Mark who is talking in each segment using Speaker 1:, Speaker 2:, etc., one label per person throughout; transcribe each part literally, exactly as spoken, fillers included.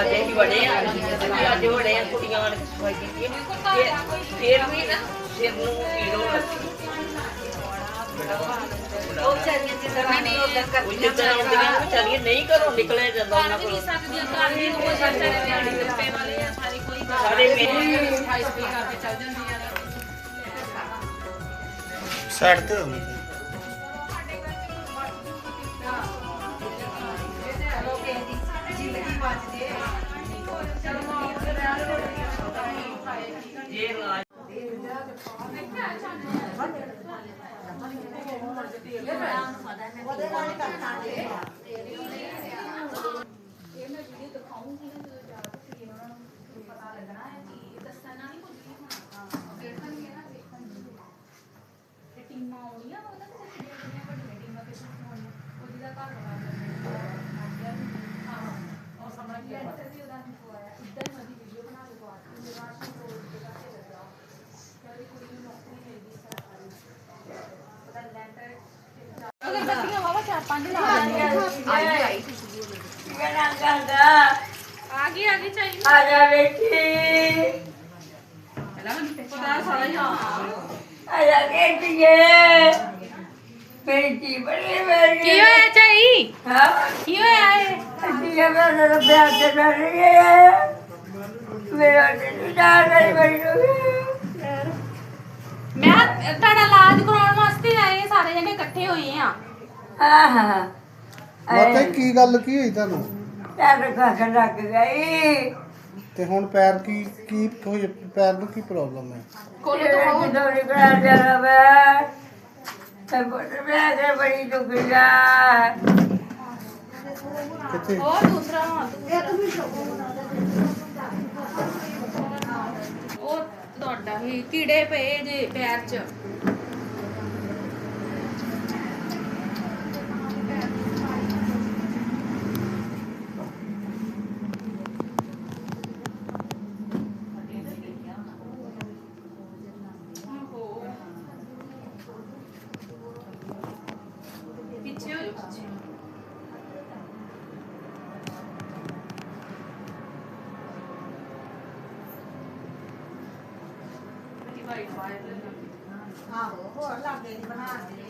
Speaker 1: ਅੱਜ ਅਸੀਂ ਬੜੇ ਆ ਅੱਜ ਬੜੇ ਆ ਕੁੜੀਆਂ ਆਣ ਕੇ ਸਫਾਈ ਕੀਤੀ ਫਿਰ ਵੀ ਨਾ ਸਿਰ ਨੂੰ ਪੀੜ ਹੋਣ ਲੱਗੀ ਉਹ ਵਿਚਾਰੀਆਂ ਜਿੱਦਾਂ ਨਹੀਂ ਉਧਰ ਕਰਦੀਆਂ ਵਿਚਾਰੀਆਂ ਵਿਚਾਰੀਆਂ ਨਹੀਂ ਘਰੋਂ ਨਿਕਲਿਆ ਜਾਂਦਾ ਉਹਨਾਂ ਕੋਲ ਸਕਦੀਆਂ ਘਰ ਵੀ ਉਹ ਵਿਚਾਰੇ ਦਿਹਾੜੀ ਦਿੱਤੇ ਵਾਲੇ ਆ ਸਾਰੀ ਕੋਈ ਸਾਰੇ ਮੇਰੇ ਸਫਾਈ ਸਫਾਈ ਕਰਕੇ ਚੱਲ ਜਾਂਦੀਆਂ ਨੇ
Speaker 2: ਸਾਈਡ ਤੇ ਹੋ
Speaker 3: आगे आगे चाहिए
Speaker 1: आजा बेटी आजा बेटी बेटी बड़ी मेरी
Speaker 3: की होया चाहिए
Speaker 1: हां
Speaker 3: की होया है
Speaker 1: ये मेरा तो प्यार से डर रही है मेरा तो डर रही बड़ी
Speaker 3: मैं ਤੁਹਾਡਾ ਇਲਾਜ ਕਰਾਉਣ ਵਾਸਤੇ ਆਏ ਸਾਰੇ ਜਣੇ ਇਕੱਠੇ ਹੋਏ ਆ
Speaker 1: हां हां
Speaker 2: ਮਾਤਾ ਕੀ ਗੱਲ ਕੀ ਹੋਈ ਤੁਹਾਨੂੰ
Speaker 1: ਪੈਰ ਕੱਖ ਲੱਗ ਗਈ
Speaker 2: ਤੇ ਹੁਣ ਪੈਰ ਕੀ ਕੀ ਹੋਈ ਪੈਰ ਨੂੰ ਕੀ ਪ੍ਰੋਬਲਮ ਹੈ
Speaker 3: ਕੋਲੇ ਤੋਂ
Speaker 1: ਇਹ ਦੋਰੀ ਪੈਰ ਜਰਾ ਮੈਂ ਤੇ ਬੜਾ ਤੇ ਬੜੀ ਦੁਖੀ ਜਾ
Speaker 2: ਕਿੱਥੇ
Speaker 3: ਉਹ ਦੂਸਰਾ ਹੱਥ ਉਹ ਤੁਹਾਡਾ ਹੀ ਕੀੜੇ ਪਏ ਜੇ ਪੈਰ 'ਚ ਪਿੱਛੇ ਹੋ ਜਾਓ ਪਿੱਛੇ
Speaker 1: ਆਹੋ ਹੋਰ ਲਾਗੇ ਦੀ ਬਣਾ ਦੇ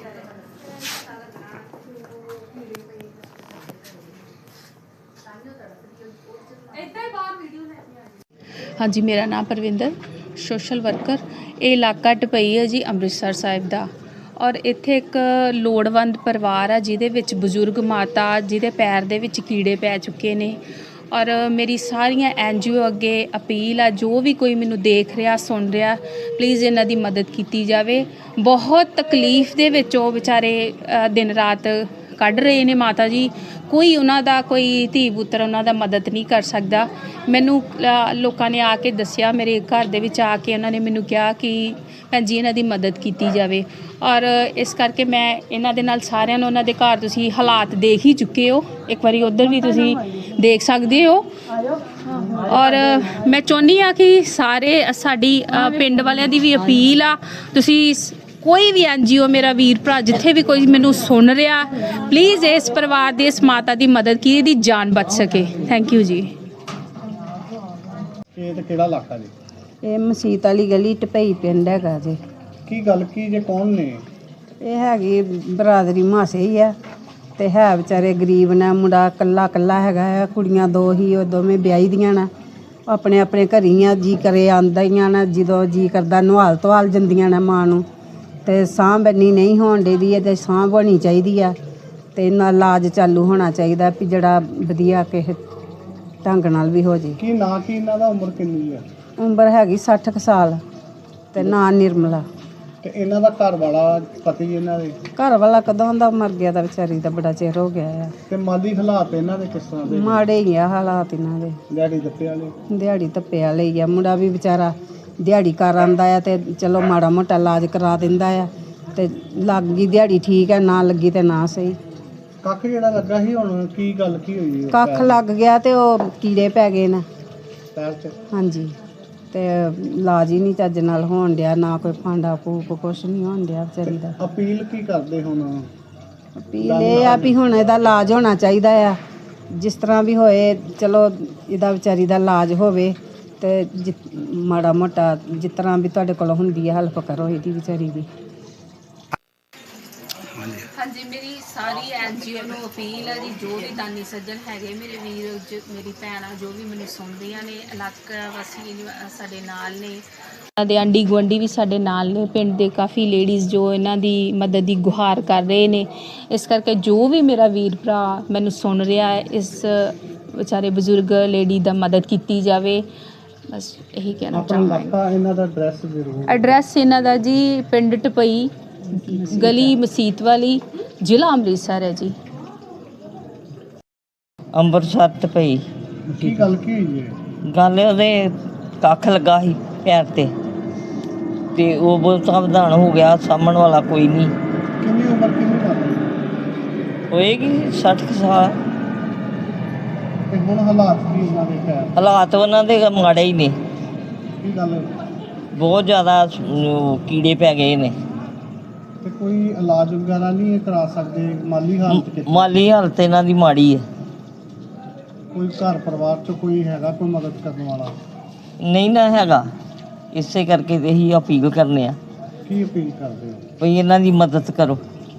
Speaker 3: ਇੱਦਾਂ ਹੀ ਬਾਹਰ ਵੀਡੀਓ ਲੈ ਕੇ ਆ
Speaker 4: ਹਾਂਜੀ ਮੇਰਾ ਨਾਮ ਪਰਵਿੰਦਰ ਸੋਸ਼ਲ ਵਰਕਰ। ਇਹ ਇਲਾਕਾ ਟਪਈ ਹੈ ਜੀ ਅੰਮ੍ਰਿਤਸਰ ਸਾਹਿਬ ਦਾ ਔਰ ਇੱਥੇ ਇੱਕ ਲੋੜਵੰਦ ਪਰਿਵਾਰ ਆ ਜਿਹਦੇ ਵਿੱਚ ਬਜ਼ੁਰਗ ਮਾਤਾ ਜਿਹਦੇ ਪੈਰ ਦੇ ਵਿੱਚ ਕੀੜੇ ਪੈ ਚੁੱਕੇ ਨੇ ਔਰ ਮੇਰੀ ਸਾਰੀਆਂ ਐਨ ਜੀ ਓ ਅੱਗੇ ਅਪੀਲ ਆ ਜੋ ਵੀ ਕੋਈ ਮੈਨੂੰ ਦੇਖ ਰਿਹਾ ਸੁਣ ਰਿਹਾ ਪਲੀਜ਼ ਇਹਨਾਂ ਦੀ ਮਦਦ ਕੀਤੀ ਜਾਵੇ। ਬਹੁਤ ਤਕਲੀਫ ਦੇ ਵਿੱਚ ਉਹ ਵਿਚਾਰੇ ਦਿਨ ਰਾਤ ਕੱਢ ਰਹੇ ਨੇ ਮਾਤਾ ਜੀ, ਕੋਈ ਉਹਨਾਂ ਦਾ ਕੋਈ ਧੀ ਪੁੱਤਰ ਉਹਨਾਂ ਦਾ ਮਦਦ ਨਹੀਂ ਕਰ ਸਕਦਾ। ਮੈਨੂੰ ਲੋਕਾਂ ਨੇ ਆ ਕੇ ਦੱਸਿਆ, ਮੇਰੇ ਘਰ ਦੇ ਵਿੱਚ ਆ ਕੇ ਉਹਨਾਂ ਨੇ ਮੈਨੂੰ ਕਿਹਾ ਕਿ ਭੈਣ ਜੀ ਇਹਨਾਂ ਦੀ ਮਦਦ ਕੀਤੀ ਜਾਵੇ ਔਰ ਇਸ ਕਰਕੇ ਮੈਂ ਇਹਨਾਂ ਦੇ ਨਾਲ ਸਾਰਿਆਂ ਨੂੰ ਉਹਨਾਂ ਦੇ ਘਰ ਤੁਸੀਂ ਹਾਲਾਤ ਦੇਖ ਹੀ ਚੁੱਕੇ ਹੋ, ਇੱਕ ਵਾਰੀ ਉੱਧਰ ਵੀ ਤੁਸੀਂ ਦੇਖ ਸਕਦੇ ਹੋ ਔਰ ਮੈਂ ਚਾਹੁੰਦੀ ਹਾਂ ਕਿ ਸਾਰੇ ਸਾਡੀ ਪਿੰਡ ਵਾਲਿਆਂ ਦੀ ਵੀ ਅਪੀਲ ਆ, ਤੁਸੀਂ ਕੋਈ ਵੀ ਐਨ ਜੀ ਓ ਮੇਰਾ ਵੀਰ ਭਰਾ ਜਿੱਥੇ ਵੀ ਕੋਈ ਮੈਨੂੰ ਸੁਣ ਰਿਹਾ ਪਲੀਜ਼ ਇਸ ਪਰਿਵਾਰ ਦੀ ਇਸ ਮਾਤਾ ਦੀ ਮਦਦ ਕੀ ਇਹਦੀ ਜਾਨ ਬਚ ਸਕੇ। ਥੈਂਕ ਯੂ ਜੀ।
Speaker 2: ਇਹ ਤੇ ਕਿਹੜਾ ਇਲਾਕਾ ਜੀ?
Speaker 5: ਇਹ ਮਸੀਤ ਵਾਲੀ ਗਲੀ ਟਪਈ ਪਿੰਡ ਹੈਗਾ ਜੀ।
Speaker 2: ਕੀ ਗੱਲ ਕੀ ਜੇ ਕੌਣ ਨੇ?
Speaker 5: ਇਹ ਹੈਗੀ ਬਰਾਦਰੀ ਮਾਸੇ ਹੀ ਆ ਤੇ ਹੈ ਵਿਚਾਰੇ ਗਰੀਬ ਨੇ, ਮੁੰਡਾ ਕੱਲਾ ਕੱਲਾ ਹੈਗਾ ਆ, ਕੁੜੀਆਂ ਦੋ ਹੀ, ਉਹ ਦੋਵੇਂ ਵਿਆਹੀ ਦੀਆਂ ਨੇ, ਆਪਣੇ ਆਪਣੇ ਘਰੀ ਆ, ਜੀ ਕਰੇ ਆਉਂਦੀਆਂ ਨੇ, ਜਦੋਂ ਜੀ ਕਰਦਾ ਨਵਾਲ ਧਵਾਲ ਜਾਂਦੀਆਂ ਨੇ ਮਾਂ ਨੂੰ ਤੇ ਸਾਂਭ ਇੰਨੀ ਨਹੀਂ ਹੋਣ ਦੇਦੀ ਹੈ ਤੇ ਸਾਂਭ ਹੋਣੀ ਚਾਹੀਦੀ ਆ ਤੇ ਇਹਨਾਂ ਇਲਾਜ ਚਾਲੂ ਹੋਣਾ ਚਾਹੀਦਾ ਵੀ ਜਿਹੜਾ ਵਧੀਆ ਕਿਸੇ ਢੰਗ ਨਾਲ ਵੀ ਹੋ ਜੇ।
Speaker 2: ਕੀ ਨਾਂ ਕੀ ਇਹਨਾਂ ਦਾ, ਉਮਰ ਕਿੰਨੀ ਹੈ?
Speaker 5: ਉਮਰ ਹੈਗੀ ਸੱਠ ਕੁ ਸਾਲ ਤੇ ਨਾਂ ਨਿਰਮਲਾ।
Speaker 2: ਤੇ ਇਹਨਾਂ ਦਾ ਘਰ ਵਾਲਾ ਪਤੀ ਇਹਨਾਂ ਦੇ
Speaker 5: ਘਰ ਵਾਲਾ ਕਦੋਂ ਦਾ ਮਰ ਗਿਆ ਤਾਂ ਵਿਚਾਰੀ ਦਾ ਬੜਾ ਚਿਰ ਹੋ ਗਿਆ ਆ।
Speaker 2: ਤੇ ਮਾਲੀ ਹਾਲਾਤ ਇਹਨਾਂ ਦੇ ਕਿਸ ਤਰ੍ਹਾਂ ਦੇ?
Speaker 5: ਮਾੜੇ ਹੀ ਆ ਹਾਲਾਤ ਇਹਨਾਂ ਦੇ,
Speaker 2: ਦਿਹਾੜੀ ਦੱਪੇ ਵਾਲੇ?
Speaker 5: ਦਿਹਾੜੀ ਧੱਪੇ ਵਾਲੇ ਹੀ ਆ। ਮੁੰਡਾ ਵੀ ਵਿਚਾਰਾ ਦਿਹਾੜੀ ਕਰ ਆਉਂਦਾ ਆ ਤੇ ਚਲੋ ਮਾੜਾ ਮੋਟਾ ਇਲਾਜ ਕਰਾ ਦਿੰਦਾ ਆ ਤੇ ਲੱਗ ਗਈ ਦਿਹਾੜੀ ਠੀਕ ਹੈ, ਨਾ ਲੱਗੀ ਤੇ ਨਾ ਸਹੀ।
Speaker 2: ਕੱਖ ਜਿਹੜਾ ਲੱਗਾ ਸੀ ਹੁਣ ਕੀ ਗੱਲ ਕੀ ਹੋਈ?
Speaker 5: ਕੱਖ ਲੱਗ ਗਿਆ ਤੇ ਉਹ ਕੀੜੇ ਪੈ ਗਏ ਨੇ
Speaker 2: ਪੈਰ 'ਚ?
Speaker 5: ਹਾਂਜੀ, ਤੇ ਇਲਾਜ ਹੀ ਨਹੀਂ ਚੱਜ ਨਾਲ ਹੋਣ ਡਿਆ, ਨਾ ਕੋਈ ਫਾਂਡਾ ਫੂਕ ਕੁਛ ਨਹੀਂ ਹੋਣ ਡਿਆ ਵਿਚਾਰੀ ਦਾ।
Speaker 2: ਅਪੀਲ ਕੀ ਕਰਦੇ ਹੁਣ?
Speaker 5: ਅਪੀਲ ਇਹ ਆ ਵੀ ਹੁਣ ਇਹਦਾ ਇਲਾਜ ਹੋਣਾ ਚਾਹੀਦਾ ਆ ਜਿਸ ਤਰ੍ਹਾਂ ਵੀ ਹੋਏ ਚਲੋ ਇਹਦਾ ਵਿਚਾਰੀ ਦਾ ਇਲਾਜ ਹੋਵੇ ਤੇ ਜਿ ਮਾੜਾ ਮੋਟਾ ਜਿਸ ਤਰ੍ਹਾਂ ਵੀ ਤੁਹਾਡੇ ਕੋਲ ਹੁੰਦੀ ਹੈ ਹੈਲਪ ਕਰੋ ਇਹਦੀ ਵਿਚਾਰੀ ਦੀ।
Speaker 4: ਹਾਂਜੀ, ਮੇਰੀ ਸਾਰੀ ਐਨ ਜੀ ਓ ਨੂੰ ਅਪੀਲ ਹੈ ਜੀ, ਜੋ ਵੀ ਦਾਨੀ ਸੱਜਣ ਹੈਗੇ ਮੇਰੇ ਵੀਰ ਜ ਮੇਰੀ ਭੈਣਾਂ ਜੋ ਵੀ ਮੈਨੂੰ ਸੁਣਦੀਆਂ ਨੇ, ਇਲਾਕਾ ਵਾਸੀ ਸਾਡੇ ਨਾਲ ਨੇ, ਇਹਨਾਂ ਦੇ ਆਂਢੀ ਗੁਆਂਢੀ ਵੀ ਸਾਡੇ ਨਾਲ ਨੇ, ਪਿੰਡ ਦੇ ਕਾਫੀ ਲੇਡੀਜ਼ ਜੋ ਇਹਨਾਂ ਦੀ ਮਦਦ ਦੀ ਗੁਹਾਰ ਕਰ ਰਹੇ ਨੇ। ਇਸ ਕਰਕੇ ਜੋ ਵੀ ਮੇਰਾ ਵੀਰ ਭਰਾ ਮੈਨੂੰ ਸੁਣ ਰਿਹਾ ਹੈ, ਇਸ ਵਿਚਾਰੇ ਬਜ਼ੁਰਗ ਲੇਡੀ ਦਾ ਮਦਦ ਕੀਤੀ ਜਾਵੇ, ਬਸ ਇਹੀ ਕਹਿਣਾ
Speaker 2: ਆਪਣਾ
Speaker 4: ਚਾਹਾਂਗੀ।
Speaker 2: ਇਲਾਕਾ ਇਹਨਾਂ ਦਾ ਐਡਰੈਸ ਜ਼ਰੂਰ।
Speaker 4: ਐਡਰੈਸ ਇਹਨਾਂ ਦਾ ਜੀ ਪਿੰਡ ਟਪਈ, ਗਲੀ ਮਸੀਤ ਵਾਲੀ, ਜ਼ਿਲ੍ਹਾ ਅੰਮ੍ਰਿਤਸਰ ਹੈ ਜੀ।
Speaker 6: ਅੰਮ੍ਰਿਤਸਰ ਟਪਈ।
Speaker 2: ਕੀ ਗੱਲ ਕੀ ਹੋਈ ਹੈ?
Speaker 6: ਗੱਲ ਉਹਦੇ ਕੱਖ ਲੱਗਾ ਸੀ ਪੈਰ ਤੇ ਤੇ ਉਹ ਬਹੁਤ ਸਾਵਧਾਨ ਹੋ ਗਿਆ, ਸਾਂਭਣ ਵਾਲਾ ਕੋਈ ਨਹੀਂ।
Speaker 2: ਕਿੰਨੀ ਉਮਰ ਕਿੰਨੀ ਗੱਲ
Speaker 6: ਹੋਏਗੀ ਸੱਠ ਕੁ ਸਾਲ।
Speaker 2: ਤੇ ਹੁਣ ਹਾਲਾਤ ਕੀ ਉਹਨਾਂ ਦੇ ਪੈਰ?
Speaker 6: ਹਾਲਾਤ ਉਹਨਾਂ ਦੇ ਮਾੜੇ ਹੀ ਨੇ,
Speaker 2: ਕੀ ਗੱਲ?
Speaker 6: ਬਹੁਤ ਜ਼ਿਆਦਾ ਉਹ ਕੀੜੇ ਪੈ ਗਏ ਨੇ।
Speaker 2: ਤੇ ਕੋਈ ਇਲਾਜ ਵਗੈਰਾ ਨਹੀਂ ਇਹ ਕਰਾ ਸਕਦੇ? ਮਾਲੀ ਹਾਲਤ ਕਿੱਥੇ?
Speaker 6: ਮਾਲੀ ਹਾਲਤ ਇਹਨਾਂ ਦੀ ਮਾੜੀ ਹੈ।
Speaker 2: ਕੋਈ ਘਰ ਪਰਿਵਾਰ ਚ ਕੋਈ ਹੈਗਾ ਕੋਈ ਮਦਦ ਕਰਨ ਵਾਲਾ?
Speaker 6: ਨਹੀਂ ਨਾ ਹੈਗਾ, ਇਸੇ ਕਰਕੇ ਤੇ ਇਹੀ ਅਪੀਲ ਕਰਨੇ ਆ
Speaker 2: ਕੀ ਅਪੀਲ ਕਰਦੇ ਹੋ?
Speaker 6: ਵੀ ਇਹਨਾਂ ਦੀ ਮਦਦ ਕਰੋ।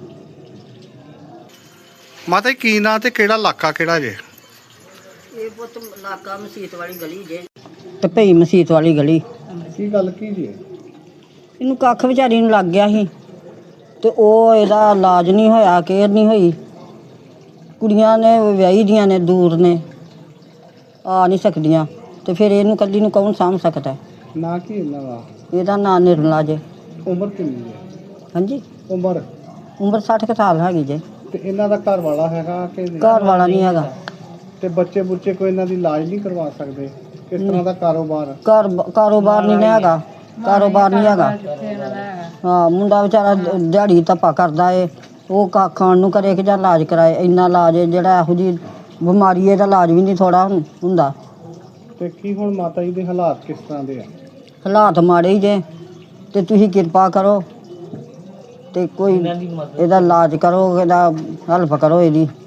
Speaker 2: ਮਾਤਾ ਜੀ ਕੀ ਨਾਂ ਤੇ ਕਿਹੜਾ ਇਲਾਕਾ ਕਿਹੜਾ ਜੇ?
Speaker 7: ਇਹ ਪੁੱਤ ਇਲਾਕਾ ਮਸੀਤ ਵਾਲੀ ਗਲੀ ਜੇ।
Speaker 5: ਟਪਈ ਮਸੀਤ ਵਾਲੀ ਗਲੀ।
Speaker 2: ਕੀ ਗੱਲ ਕੀ ਜੇ?
Speaker 5: ਇਹਨੂੰ ਕੱਖ ਵਿਚਾਰੀ ਨੂੰ ਲੱਗ ਗਿਆ ਸੀ ਤੇ ਉਹ ਇਹਦਾ ਇਲਾਜ ਨਹੀਂ ਹੋਇਆ, ਕੇਅਰ ਨਹੀਂ ਹੋਈ। ਕੁੜੀਆਂ ਨੇ ਵਿਆਹੀ ਦੀਆਂ ਨੇ, ਦੂਰ ਨੇ, ਆ ਨਹੀਂ ਸਕਦੀਆਂ, ਤੇ ਫਿਰ ਇਹਨੂੰ ਇਕੱਲੀ ਨੂੰ ਕੌਣ ਸਾਂਭ ਸਕਦਾ?
Speaker 2: ਨਾਂ ਕੀ ਇਹਨਾਂ ਦਾ?
Speaker 5: ਇਹਦਾ ਨਾਂ ਨਿਰਮਲਾ ਜੇ।
Speaker 2: ਉਮਰ ਕਿੰਨੀ ਹੈ?
Speaker 5: ਹਾਂਜੀ,
Speaker 2: ਉਮਰ?
Speaker 5: ਉਮਰ ਸੱਠ ਕੁ ਸਾਲ ਹੈਗੀ ਜੇ।
Speaker 2: ਤੇ ਇਹਨਾਂ ਦਾ ਘਰ ਵਾਲਾ ਹੈਗਾ ਕਿ ਨਹੀਂ?
Speaker 5: ਘਰ ਵਾਲਾ ਨਹੀਂ ਹੈਗਾ।
Speaker 2: ਤੇ ਬੱਚੇ ਬੁੱਚੇ ਕੋਈ ਇਹਨਾਂ ਦੀ ਇਲਾਜ ਨਹੀਂ ਕਰਵਾ ਸਕਦੇ? ਕਿਸ ਤਰ੍ਹਾਂ ਦਾ ਕਾਰੋਬਾਰ?
Speaker 5: ਘਰ ਕਾਰੋਬਾਰ ਨਹੀਂ ਨਾ ਹੈਗਾ, ਕਾਰੋਬਾਰ ਨਹੀਂ ਹੈਗਾ। ਹਾਂ, ਮੁੰਡਾ ਵਿਚਾਰਾ ਦਿਹਾੜੀ ਧੱਪਾ ਕਰਦਾ ਏ, ਉਹ ਕਾ ਖਾਣ ਨੂੰ ਕਰੇ ਕਿ ਜਾਂ ਇਲਾਜ ਕਰਾਏ। ਇੰਨਾ ਇਲਾਜ ਏ ਜਿਹੜਾ ਇਹੋ ਜਿਹੀ ਬਿਮਾਰੀ ਇਹਦਾ ਇਲਾਜ ਵੀ ਨਹੀਂ ਥੋੜ੍ਹਾ ਹੁੰਦਾ।
Speaker 2: ਤੇ ਕੀ ਹੁਣ ਮਾਤਾ ਜੀ ਦੇ ਹਾਲਾਤ ਕਿਸ ਤਰ੍ਹਾਂ ਦੇ ਆ?
Speaker 5: ਹਾਲਾਤ ਮਾੜੇ ਹੀ ਜੇ, ਤੇ ਤੁਸੀਂ ਕਿਰਪਾ ਕਰੋ ਤੇ ਕੋਈ ਇਹਦਾ ਇਲਾਜ ਕਰੋ, ਇਹਦਾ ਹੈਲਪ ਕਰੋ ਇਹਦੀ।